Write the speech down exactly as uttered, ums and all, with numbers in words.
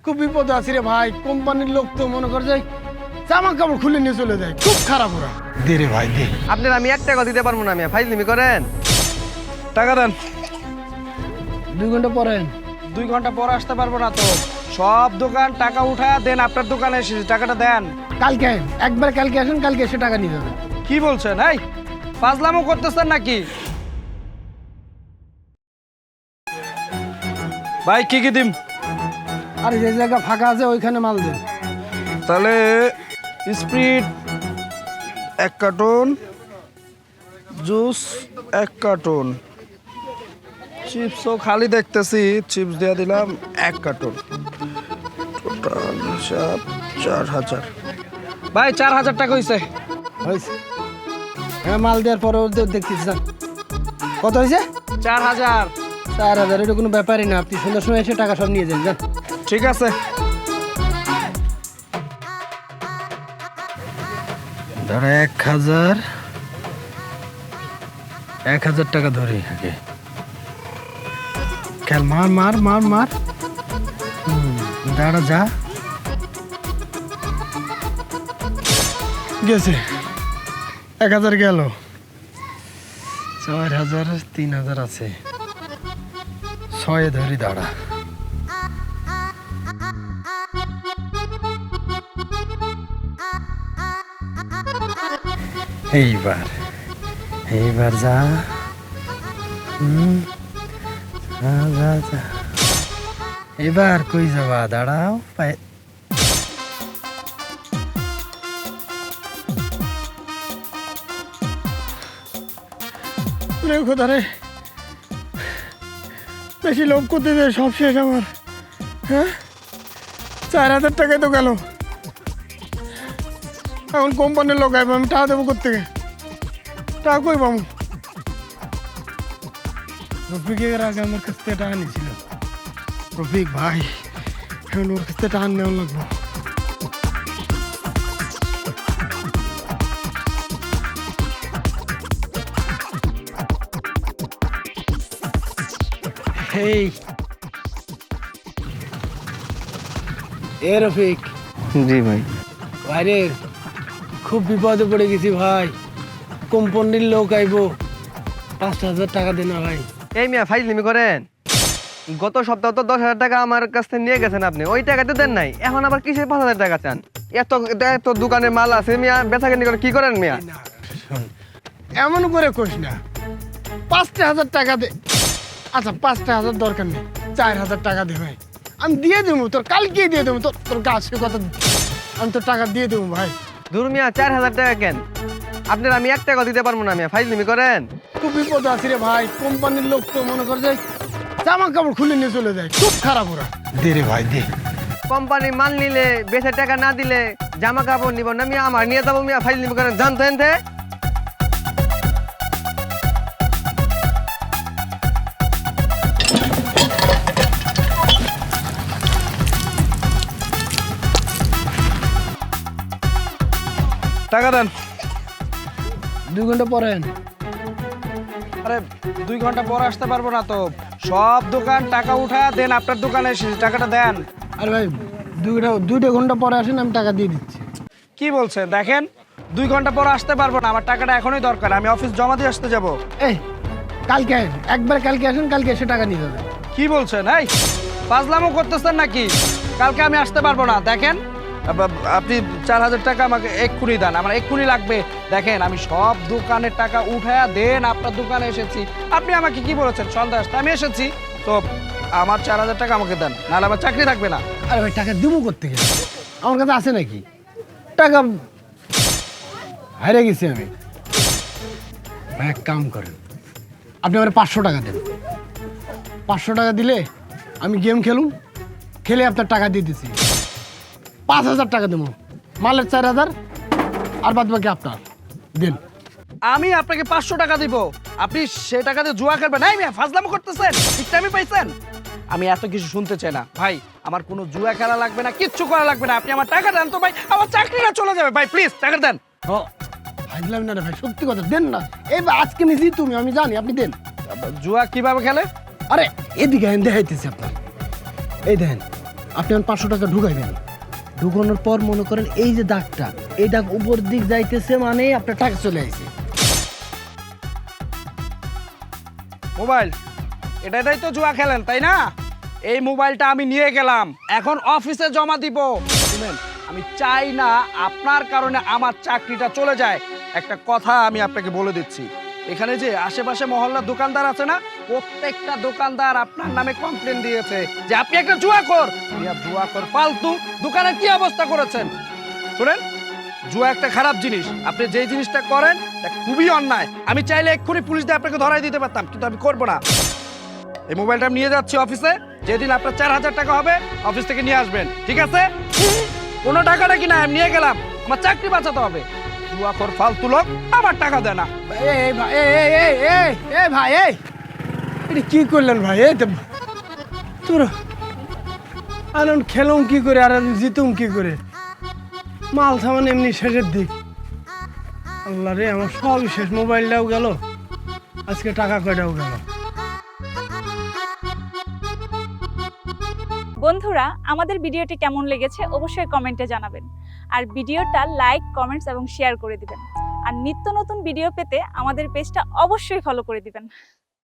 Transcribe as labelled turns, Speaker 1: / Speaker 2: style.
Speaker 1: খুব বিপদ আছে রে ভাই। কোম্পানির লোক তো মনে কর যায় জামা কাপড় খুলে নিয়ে চলে যায়, খুব খারাপ ওরা। দে রে ভাই দে।
Speaker 2: আপনার আমি এক টাকা দিতে পারবো না, আমি ফাইজলিমি করেন। টাকা দেন।
Speaker 1: দুই ঘন্টা পরে
Speaker 3: দুই ঘন্টা পরে আসতে পারবো না তো। সব দোকান টাকা উঠা দেন, আপনার দোকানে এসেছি, টাকাটা দেন।
Speaker 1: কালকে একবার কালকে আসেন, কালকে এসে টাকা নিয়ে যাবেন।
Speaker 3: কি বলছেন? এই ফাজলামো করতেছেন নাকি ভাই? কি কি দিম?
Speaker 1: আর যে জায়গা ফাঁকা আছে ওইখানে মাল দেন।
Speaker 3: তাহলে স্প্রিট এক কার্টন, জুস এক কার্টন, চিপসও খালি দেখতেছি, চিপস দিয়ে দিলাম এক কার্টন। টোটাল হিসাব চার হাজার। ভাই চার হাজার টাকা হয়েছে।
Speaker 1: হয়েছে? হ্যাঁ, মাল দেওয়ার পরে দেখতেছি যান। কত হয়েছে?
Speaker 3: চার হাজার।
Speaker 1: চার হাজার এটা কোনো ব্যাপারই না, আপনি সুন্দর সময় এসে টাকা সব নিয়ে যান। যান।
Speaker 3: ঠিক আছে।
Speaker 1: ধরো এক হাজার এক হাজার টাকা ধরে আগে খেল, মার মার মার মার। দাঁড়া যা গেছে, এক হাজার গেল, চার হাজার তিন হাজার আছে, ছয় ধরি দাঁড়া। এইবার এইবার যা। হুম, যা যা যা। এবার কই যাবা? দাঁড়াও পায়ে। কোথারে বেশি লোভ করতে যায়, সব শেষ আমার। হ্যাঁ, চার হাজার টাকায় তো গেল। এখন কোম্পানির লোক আইব, আমি টাকা দেবো কোথেকে? টাকা কই পাবো? রফিকের আগে আমার কাছ থেকে টাকা নিয়েছিল। রফিক ভাই, এখন ওর কাছ থেকে টাকা নেওয়া লাগবো। এই এ রফিক।
Speaker 2: জি ভাই।
Speaker 1: বাইরে খুব বিপদে পড়ে গেছি ভাই, কোম্পানির লোক আইবো, পাঁচ হাজার টাকা দে না ভাই।
Speaker 2: এই মিয়া ফাইজলিমি করেন। গত সপ্তাহ তো দশ হাজার টাকা আমার কাছ থেকে নিয়ে গেছেন আপনি, ওই টাকা তো দেন নাই, এখন আবার কিসের পাঁচ হাজার টাকা চান? এত এত দোকানে মাল আছে মিয়া, বেচা কিনি করে কি করেন মিয়া?
Speaker 1: এমন করে কইস না, পাঁচটা হাজার টাকা দে। আচ্ছা, পাঁচটা হাজার দরকার নেই, চার হাজার টাকা দে ভাই, আমি দিয়ে দেবো তোর, কালকে দিয়ে দেবো তোর। তোর গাছের কথা আমি তোর টাকা দিয়ে দেবো ভাই।
Speaker 2: দূর মিয়া, চার হাজার টাকা কেন? আপনার আমি এক টাকা দিতে পারবো না মিয়া, ফাইজলিমি করেন।
Speaker 1: খুব বিপদ আছে রে ভাই, কোম্পানির লোক তো মনে কর যায় জামা কাপড় খুলে নিয়ে চলে যায়, খুব খারাপ ওরা। দে রে ভাই দে।
Speaker 2: কোম্পানি মাল নিলে বেচে টাকা না দিলে জামা কাপড় নিব না মিয়া, আমার নিয়ে যাবো মিয়া, ফাইজলিমি করেন। জানতো এনতে
Speaker 3: টাকা দেন।
Speaker 1: দুই ঘন্টা পরে
Speaker 3: আরে দুই ঘন্টা পরে আসতে পারবো না তো। সব দোকান টাকা উঠা দেন, আপনার দোকানে এসেছি, টাকাটা দেন।
Speaker 1: আরে ভাই, দুইটা দুইটা ঘন্টা পরে আসেন, আমি টাকা দিয়ে দিচ্ছি।
Speaker 3: কি বলছেন? দেখেন, দুই ঘন্টা পরে আসতে পারবো না, আমার টাকাটা এখনই দরকার, আমি অফিস জমা দিয়ে আসতে যাব।
Speaker 1: এই কালকে আসেন, একবার কালকে আসেন, কালকে এসে টাকা নিয়ে যাবেন।
Speaker 3: কি বলছেন? এই ফাজলামো করতেছেন নাকি? কালকে আমি আসতে পারবো না। দেখেন, আপ- আপনি চার হাজার টাকা আমাকে এক্ষুনি দেন, আমার এক্ষুনি লাগবে। দেখেন, আমি সব দোকানের টাকা উঠায়া দেন, আপনার দোকানে এসেছি। আপনি আমাকে কি বলেছেন? সন্ধ্যা আসতে আমি এসেছি তো, আমার চার হাজার টাকা আমাকে দেন, নাহলে আমার চাকরি থাকবে না।
Speaker 1: আরে ভাই, টাকা দেবো করতে গেলে আমার কাছে আছে নাকি টাকা? হারিয়ে গেছি আমি ভাই। এক কাম করেন, আপনি আমার পাঁচশো টাকা দেন। পাঁচশো টাকা দিলে আমি গেম খেলুন, খেলে আপনার টাকা দিয়ে দিচ্ছি। পাঁচ হাজার টাকা দেবো, মালের চার হাজার, আর বাদ বাকি আপনার দেন।
Speaker 3: আমি আপনাকে পাঁচশো টাকা দিব, আপনি সে টাকা দিয়ে জুয়া খেলবেন? নাই মিয়া, ফাজলামো করতেছেন, ঠিক টাইমে পাইছেন। আমি এত কিছু শুনতে চাই না ভাই, আমার কোনো জুয়া খেলা লাগবে না, কিচ্ছু করা লাগবে না। আপনি আমার টাকা দেন তো ভাই, আমার চাকরিটা চলে যাবে ভাই, প্লিজ টাকা দেন।
Speaker 1: ও ভাইলাম না রে ভাই, সত্যি কথা দেন না। এই আজকে নিয়েছি তুমি, আমি জানি আপনি দেন।
Speaker 3: জুয়া কিভাবে খেলে?
Speaker 1: আরে এদিকে দেখাইতেছি আপনার, এই দেখেন আপনি আমার পাঁচশো টাকা ঢুকাইবেন, ঢুকানোর পর মনে করেন এই যে দাগটা, এই দাগ উপর দিক যাইতেছে মানে আপনার টাকা চলে আসছে।
Speaker 3: মোবাইল এটা এটাই তো জুয়া খেলেন তাই না? এই মোবাইলটা আমি নিয়ে গেলাম, এখন অফিসে জমা দিব। শুনেন, আমি চাই না আপনার কারণে আমার চাকরিটা চলে যায়। একটা কথা আমি আপনাকে বলে দিচ্ছি, এখানে যে আশেপাশে মহল্লার দোকানদার আছে না, প্রত্যেকটা দোকানদার আপনার নামে কমপ্লেন দিয়েছে যে আপনি একটা জুয়াখোর। জুয়াখোর ফালতু দোকানের কি অবস্থা করেছেন। শুনেন, জুয়া একটা খারাপ জিনিস, আপনি যেই জিনিসটা করেন তা খুবই অন্যায়। আমি চাইলে এক্ষুনি পুলিশ দিয়ে আপনাকে ধরাই দিতে পারতাম, কিন্তু আমি করবো না। এই মোবাইলটা আমি নিয়ে যাচ্ছি অফিসে, যেদিন আপনার চার হাজার টাকা হবে অফিস থেকে নিয়ে আসবেন, ঠিক আছে? কোনো টাকাটা কি না, আমি নিয়ে গেলাম, আমার চাকরি বাঁচাতে হবে। জুয়াখোর ফালতু লোক আমার টাকা দেয় না।
Speaker 1: এই ভাই, এই এই এই এই এই ভাই, এই এটা কি করলেন ভাই? এই তো তোর আনন্দ খেলুম কি করে আর জিতুম কি করে? মাল সামান এমনি শেষের দিক। আল্লাহ রে, আমার সবই শেষ, মোবাইলটাও গেল, আজকে টাকা কয়টাও গেল।
Speaker 4: বন্ধুরা, আমাদের ভিডিওটি কেমন লেগেছে অবশ্যই কমেন্টে জানাবেন, আর ভিডিওটা লাইক, কমেন্টস এবং শেয়ার করে দিবেন। আর নিত্য নতুন ভিডিও পেতে আমাদের পেজটা অবশ্যই ফলো করে দিবেন।